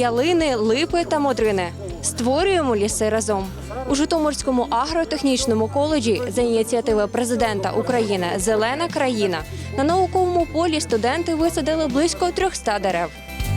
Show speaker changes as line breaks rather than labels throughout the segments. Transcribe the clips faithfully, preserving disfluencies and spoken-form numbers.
ялини, липи та модрини. Створюємо ліси разом. У Житомирському агротехнічному коледжі за ініціативи президента України «Зелена країна» на науковому полі студенти висадили близько трьохсот дерев.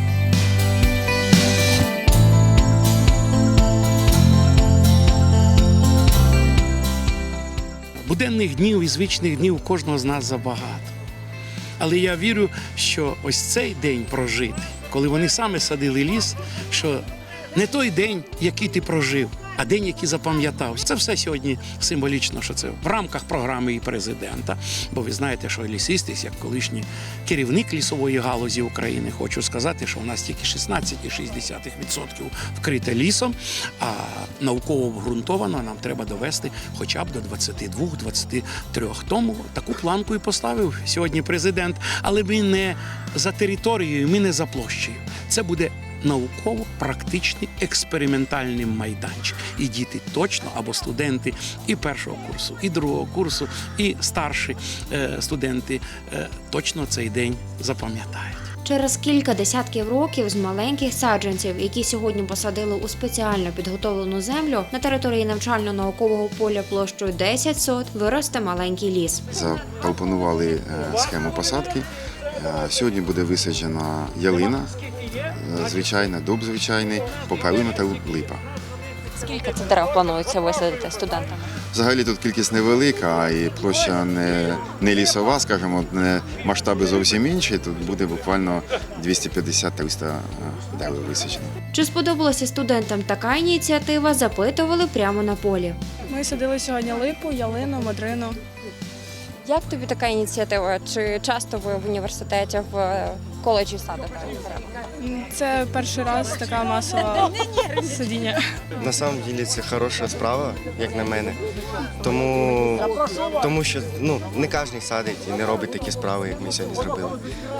Буденних днів і звичних днів у кожного з нас забагато. Але я вірю, що ось цей день прожитий, коли вони саме садили ліс, що не той день, який ти прожив, а день, який запам'ятав. Це все сьогодні символічно, що це в рамках програми і президента. Бо ви знаєте, що лісисти, як колишній керівник лісової галузі України, хочу сказати, що у нас тільки шістнадцять цілих шість десятих відсотка вкрите лісом, а науково обґрунтовано нам треба довести хоча б до двадцяти двох - двадцяти трьох. Тому таку планку і поставив сьогодні президент. Але ми не за територією, ми не за площею. Це буде науково-практичний експериментальний майданчик. І діти точно, або студенти і першого курсу, і другого курсу, і старші е, студенти е, точно цей день запам'ятають.
Через кілька десятків років з маленьких саджанців, які сьогодні посадили у спеціально підготовлену землю, на території навчально-наукового поля площею десять сот виросте маленький ліс.
Запропонували схему посадки. Сьогодні буде висаджена ялина, звичайна, дуб звичайний, попелина та липа.
Скільки це дерев планується висадити студентами?
Взагалі тут кількість невелика, і площа не, не лісова, скажімо, не масштаби зовсім інші. Тут буде буквально двісті п'ятдесят - триста дерев висаджено.
Чи сподобалася студентам така ініціатива, запитували прямо на полі.
Ми садили сьогодні липу, ялину, модрину.
Як тобі така ініціатива? Чи часто ви в університеті, в коледжі садите дерева?
Це перший раз така масова садіння.
На самом деле це хороша справа, як на мене. Тому, тому що ну, не кожен садить і не робить такі справи, як ми сьогодні зробили.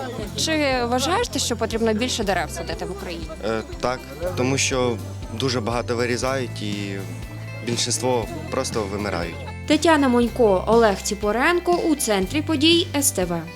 Чи вважаєш ти, що потрібно більше дерев садити в Україні?
Е, так, тому що дуже багато вирізають і більшість просто вимирають.
Тетяна Монько, Олег Ціпоренко у центрі подій ес те ве.